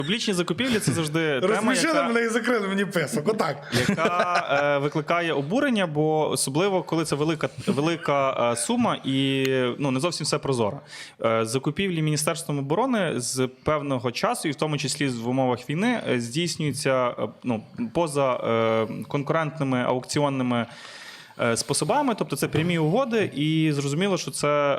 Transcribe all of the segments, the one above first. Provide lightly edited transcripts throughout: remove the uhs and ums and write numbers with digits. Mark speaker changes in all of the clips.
Speaker 1: Публічні закупівлі – це завжди тема,
Speaker 2: Розсмішили мене і закрили мені писок, отак.
Speaker 1: яка викликає обурення, бо особливо, коли це велика сума і не зовсім все прозоро. Закупівлі Міністерством оборони з певного часу, і в тому числі в умовах війни, здійснюються поза конкурентними аукціонними способами, тобто це прямі угоди, і зрозуміло, що це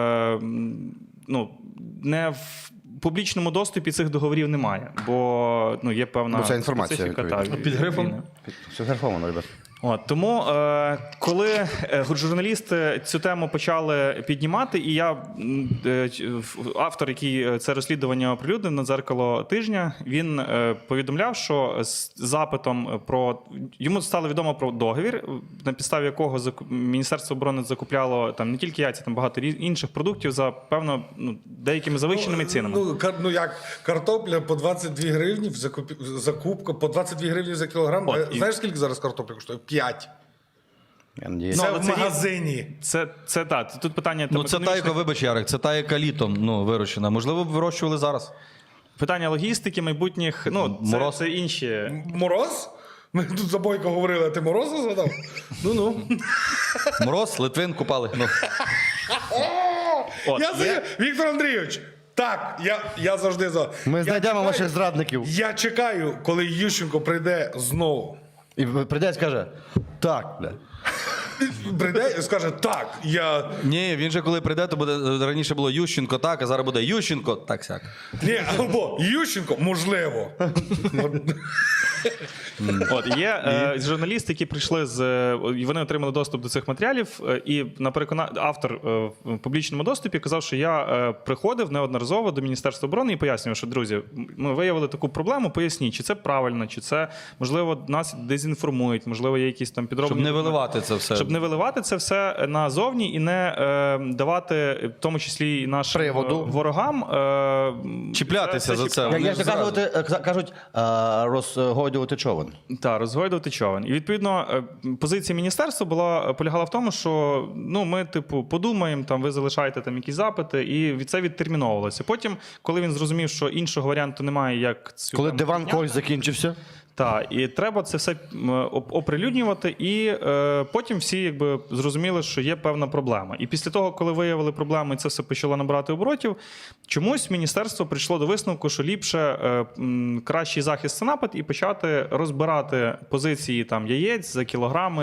Speaker 1: не в публічному доступі цих договорів немає, бо є певна
Speaker 3: це інформація,
Speaker 1: специфіка.
Speaker 3: під
Speaker 2: грифом?
Speaker 3: Все графовано, ребят.
Speaker 1: Тому, коли журналісти цю тему почали піднімати, і я, автор, який це розслідування оприлюднив на «Дзеркало тижня», він повідомляв, що з запитом йому стало відомо про договір, на підставі якого Міністерство оборони закупляло не тільки яйця, там багато інших продуктів за, певно, деякими завищеними цінами.
Speaker 2: Як картопля по 22 гривні, закупка по 22 гривні за кілограм. Знаєш, скільки зараз картопля коштує? 5. Це в магазині.
Speaker 1: Це так. Тут питання...
Speaker 4: Це та, яка, вибач, Ярик, це та, яка літом вирощена. Можливо, б вирощували зараз.
Speaker 1: Питання логістики, майбутніх,
Speaker 4: Мороз.
Speaker 1: це інші...
Speaker 2: Мороз? Ми тут за Бойко говорили, а ти Мороза згадав?
Speaker 4: Мороз, Литвин купали.
Speaker 2: Віктор Андрійович, так, я завжди за...
Speaker 3: Ми знайдемо ваших зрадників.
Speaker 2: Я чекаю, коли Ющенко прийде знову.
Speaker 3: І прийде і скаже, так, бля.
Speaker 2: Прийде і скаже, так, я...
Speaker 4: Ні, він же коли прийде, то буде, раніше було Ющенко так, а зараз буде Ющенко так-сяк.
Speaker 2: Ні, або Ющенко, можливо.
Speaker 1: Є журналісти, які прийшли і вони отримали доступ до цих матеріалів, і автор в публічному доступі казав, що я приходив неодноразово до Міністерства оборони і пояснював, що, друзі, ми виявили таку проблему, поясніть, чи це правильно, чи це, можливо, нас дезінформують, можливо, є якісь там підроблені...
Speaker 4: Щоб не виливати це все.
Speaker 1: Щоб не виливати це все назовні і не давати, в тому числі і нашим ворогам...
Speaker 4: Чіплятися за це.
Speaker 3: Як кажуть, розгойдувати човен.
Speaker 1: Так, розгойдувати човен. І, відповідно, позиція міністерства полягала в тому, що ми, подумаємо, ви залишаєте якісь запити, і це відтерміновувалося. Потім, коли він зрозумів, що іншого варіанту немає, як...
Speaker 3: Коли диван когось закінчився.
Speaker 1: Так, і треба це все оприлюднювати, і потім всі зрозуміли, що є певна проблема. І після того, коли виявили проблему, і це все почало набирати оборотів, чомусь міністерство прийшло до висновку, що ліпше кращий захист – це напад, і почати розбирати позиції яєць за кілограми.